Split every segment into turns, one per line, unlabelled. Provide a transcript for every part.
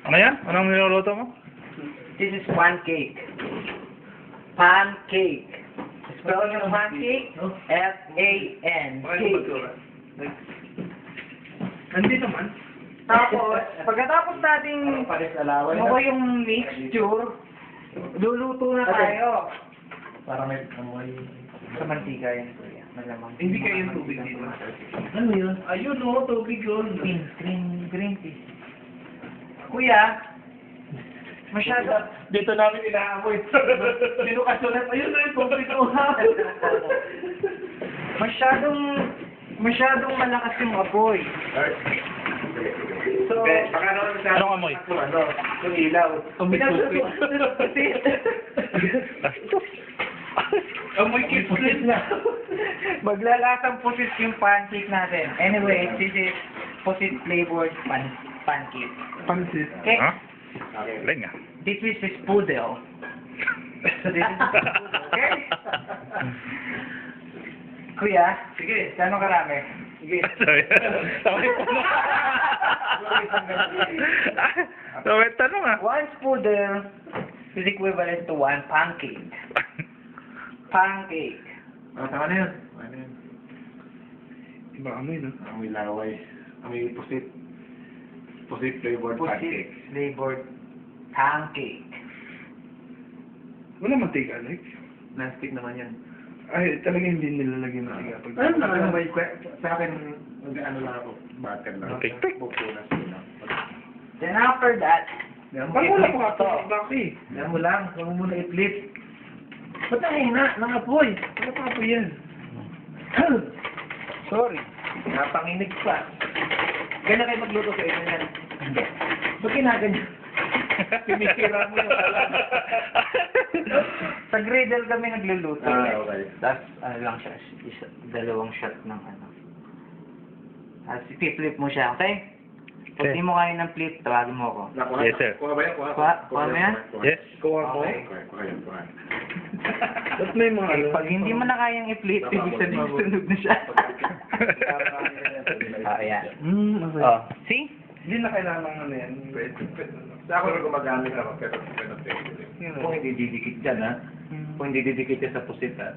Ano yan? Anong niluluto mo?
This is pancake. Pancake. Spelling of pancake, F-A-N. Cake.
Nandito naman.
Tapos, pagkatapos nating makuha yung mixture, luluto na tayo.
Para may amoy.
Sa mantika yan, kuya. Malamang.
Hindi kayo yung tubig dito. Ano yun? Ayun o, tubig yun.
Green tea. Kuya, masyado.
Dito namin inaamoy. Binukasyon na. Ayun na yung tubig o.
Masyadong malakas yung apoy. So,
Baka naman sa
Anong amoy?
Yung ilaw. Amoy Amoy kipulit na.
Maglalasang pusit yung pancake natin. Anyway, this is pusit flavored pancake.
Pansit.
Okay?
Ha? Galing ah.
This is spoodle. So this is spoodle, okay? Kuya,
Sige.
gano'ng karami?
Sige.
Sorry. Sorry. Sorry, tanong ah.
One spoodle is equivalent to one pancake. Pancake.
Tama na yun. Ano yun? Iba amoy, no? Amoy laway. Amoy pusit. Pusit flavored
Pusit
pancake.
flavored pancake.
Wala mantika, Alex. Plastic naman yan.
Ay, talaga hindi nilalagyan ng tiga.
Ano naman ba yung sa akin, ano lang ako, butter lang.
Tik-tik.
Bukunas ko lang.
Then after that,
Yan mo,
Pag wala
i-flip
pa
to.
ka bakit?
Yan mo lang, huwag mo muna i-flip. Ba't ang hina? Nangapoy.
Wala pa po yan.
sorry.
Napanginig pa. Ganyan kayo magluto sa inyo yan.
Hindi.
Ba't kinaganyan? Sinisira mo yung alam.
Sa griddle kami nagluluto.
Okay.
Tapos, ano lang siya, dalawang shot ng ano. Tapos, i-flip mo siya, okay? Pag
Okay.
di mo kaya ng flip, tawagin mo ako.
Nakuha?
Yes, sir.
Kuha ba yan?
Kuha mo yan?
Yes.
Kuha mo.
Okay.
Kuha yan, kuha.
Ba't may mga ano?
Pag hindi mo na kayang i-flip, ibig sabihin sunog na siya. Ayan.
Okay.
Oh, see?
Hindi na kailangan ng ano yan.
Pwede. Sa ako rin gumagamit ako, pero pwede. Kung hindi didikit dyan, ha? Kung hindi didikit yan sa pusit, ha?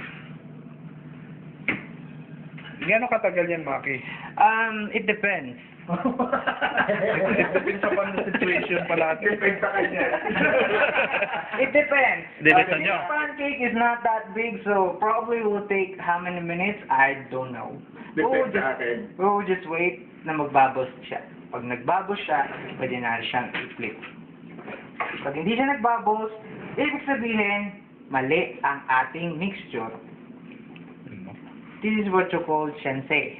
Gano'ng katagal yan, Maki?
It depends.
It depends upon the situation pala.
Depende sa kanya.
It depends.
Depends on
This
you.
pancake is not that big, so probably will take how many minutes? I don't know.
Depende sa akin.
We will just wait na magbubbles siya. Pag nagbubbles siya, pwede na siyang i-flip. Pag hindi siya nagbubbles, ibig sabihin, mali ang ating mixture. This is what you call sensei.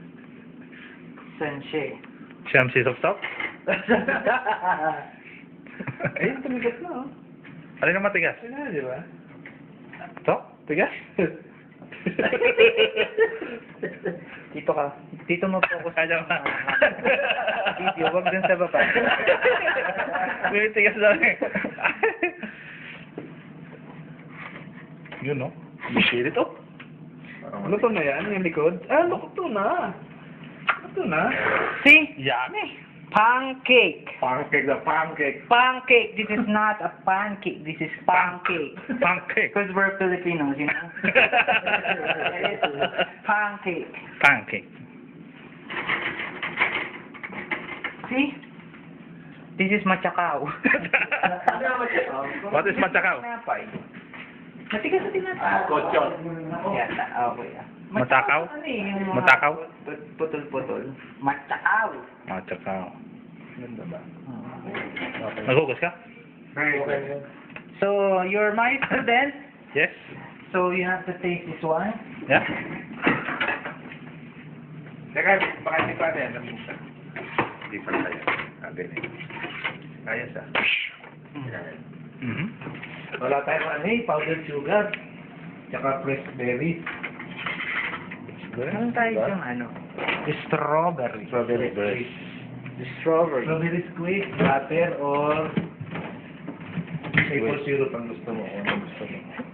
Sensei.
Shamsi of stop?
Ayun, tumigas na, oh.
Alin ang matigas?
Ayun na, di ba?
Ito? Tigas?
Dito ka. Dito mo-focus
Kaya ba?
video. Wag dun sa baba.
May tigas lang eh. Yun no? Bisit ito.
Luto na yan, yung likod? Ah, luto na. Luto na.
See?
Yummy.
Pancake.
Pancake na pancake.
Pancake. This is not a pancake. This is pancake.
Pancake.
Because we're Filipinos, you know? Pancake.
Pancake.
See? This is machakaw.
What is machakaw?
Tinapay. Matigas na tinapay.
Kotsyon.
Yan, okay.
Matakaw?
Ano eh, yung mga
Matakaw?
Putol-putol. Machakaw.
Machakaw.
Ganda ba?
Naghugas ka?
Very good.
So, you're my student.
Yes.
So, you have to taste this one.
Yeah.
Teka, baka hindi pa rin. Hindi pa kaya. Sabi na yun. Kaya siya.
Mhm.
Wala tayong ano eh, powdered sugar. Tsaka fresh berries.
Meron tayo yung ano, strawberry.
Strawberry squeeze.
Strawberry.
Strawberry squeeze, butter, or maple syrup ang gusto mo. Kung ang gusto mo.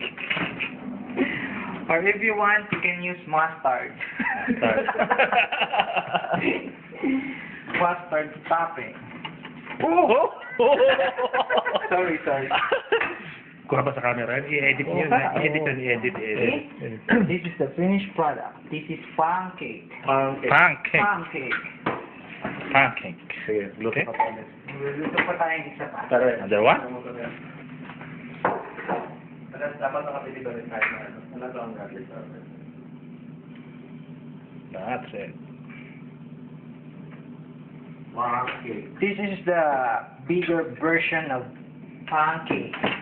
Or if you want, you can use mustard.
Mustard.
Mustard topping.
Oh!
Sorry.
Kuha ba sa camera? I-edit niyo. I-edit yun. I-edit.
Okay? This is the finished product. This is pancake.
Pancake.
Pancake.
Pancake.
Sige, luto
Okay.
pa tayo.
Luluto pa tayong isa pa.
Tara.
Another one?
Dapat nakapili ba rin tayo na ano? Ano to ang gadget sa atin?
That's it.
Pancake.
This is the bigger version of pancake.